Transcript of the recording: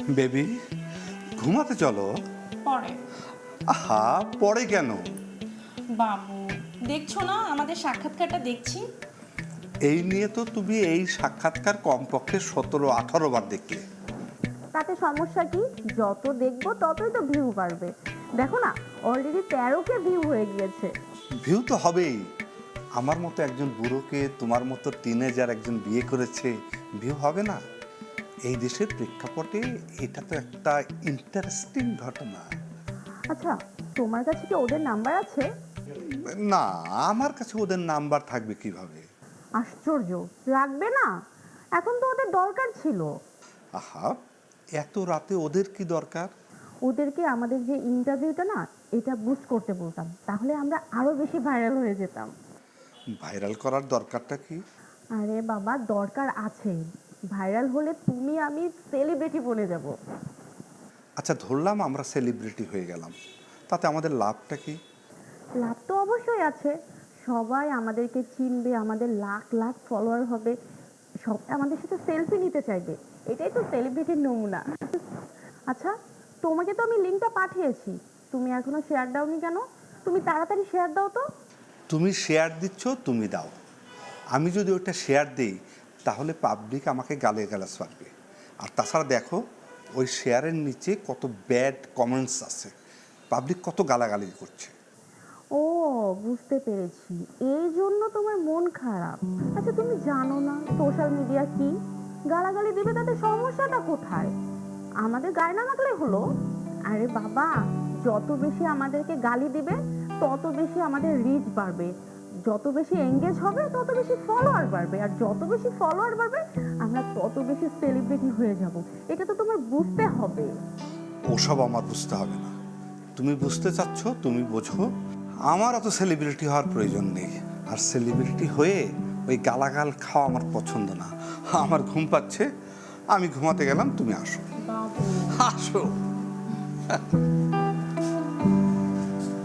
Baby, ঘুমাতে চলো। পরে। আহা, পরে কেন? বাবু, দেখছো না আমাদের সাক্ষাৎকারটা দেখছি। এই নিয়ে তো তুমি এই সাক্ষাৎকার কমপক্ষে 17-18 বার দেখলে। তাতে সমস্যা কি? যত দেখবো ততই তো ভিউ বাড়বে। দেখো না, অলরেডি 13কে ভিউ হয়ে গিয়েছে। ভিউ তো হবেই। আমার মতো একজন বুড়োকে তোমার মতো টিনেজার একজন বিয়ে করেছে, ভিউ হবে না? এই দেশের প্রেক্ষাপটে এটা তো একটা ইন্টারেস্টিং ঘটনা। আচ্ছা, তোমার কাছে কি ওদের নাম্বার আছে? না, আমার কাছে ওদের নাম্বার থাকবে কিভাবে? আশ্চর্য, লাগবে না? এখন তো ওদের দরকার ছিল। আহা, এত রাতে ওদের কি দরকার? ওদেরকে আমাদের যে ইন্টারভিউটা না, এটা বুস্ট করতে বলতাম, তাহলে আমরা আরো বেশি ভাইরাল হয়ে যেতাম। ভাইরাল করার দরকারটা কি? আরে বাবা, দরকার আছে। ভাইরাল হলে তুমি আমি সেলিব্রিটি বনে যাব। আচ্ছা, ধরলাম আমরা সেলিব্রিটি হয়ে গেলাম, তাতে আমাদের লাভটা কি? লাভ তো অবশ্যই আছে। সবাই আমাদেরকে চিনবে, আমাদের লাখ লাখ ফলোয়ার হবে, সব আমাদের সাথে সেলফি নিতে চাইবে। এটাই তো সেলিব্রিটির নমুনা। আচ্ছা, তোমাকে তো আমি লিঙ্কটা পাঠিয়েছি, তুমি এখনো শেয়ার দাওনি কেন? তুমি তাড়াতাড়ি শেয়ার দাও তো। তুমি শেয়ার দিচ্ছ, তুমি দাও। আমি যদি ওইটা শেয়ার দিই তাহলে পাবলিক আমাকে গালে গালাজ পারবে। আর তাছাড়া দেখো, ওই শেয়ারের নিচে কত ব্যাড কমেন্টস আছে, পাবলিক কত গালাগালি করছে। ও, বুঝতে পেরেছি, এই জন্য তোমার মন খারাপ। আচ্ছা, তুমি জানো না সোশ্যাল মিডিয়া কি? গালাগালি দিবে, তাতে সমস্যাটা কোথায়? আমাদের গায়ে না লাগলে হলো। আরে বাবা, যত বেশি আমাদেরকে গালি দিবে তত বেশি আমাদের রিচ বাড়বে, যত বেশি এঙ্গেজ হবে তত বেশি ফলোয়ার বাড়বে, আর যত বেশি ফলোয়ার বাড়বে আমরা তত বেশি সেলিব্রিটি হয়ে যাব। এটা তো তোমার বুঝতে হবে। ওসব আমার বুঝতে হবে না। তুমি বুঝতে চাচ্ছ, তুমি বোঝো। আমার অত সেলিব্রিটি হওয়ার প্রয়োজন নেই। আর সেলিব্রিটি হয়ে ওই গালাগাল খাওয়া আমার পছন্দ না। আমার ঘুম পাচ্ছে, আমি ঘুমাতে গেলাম, তুমি আসো। বাবু, আসো।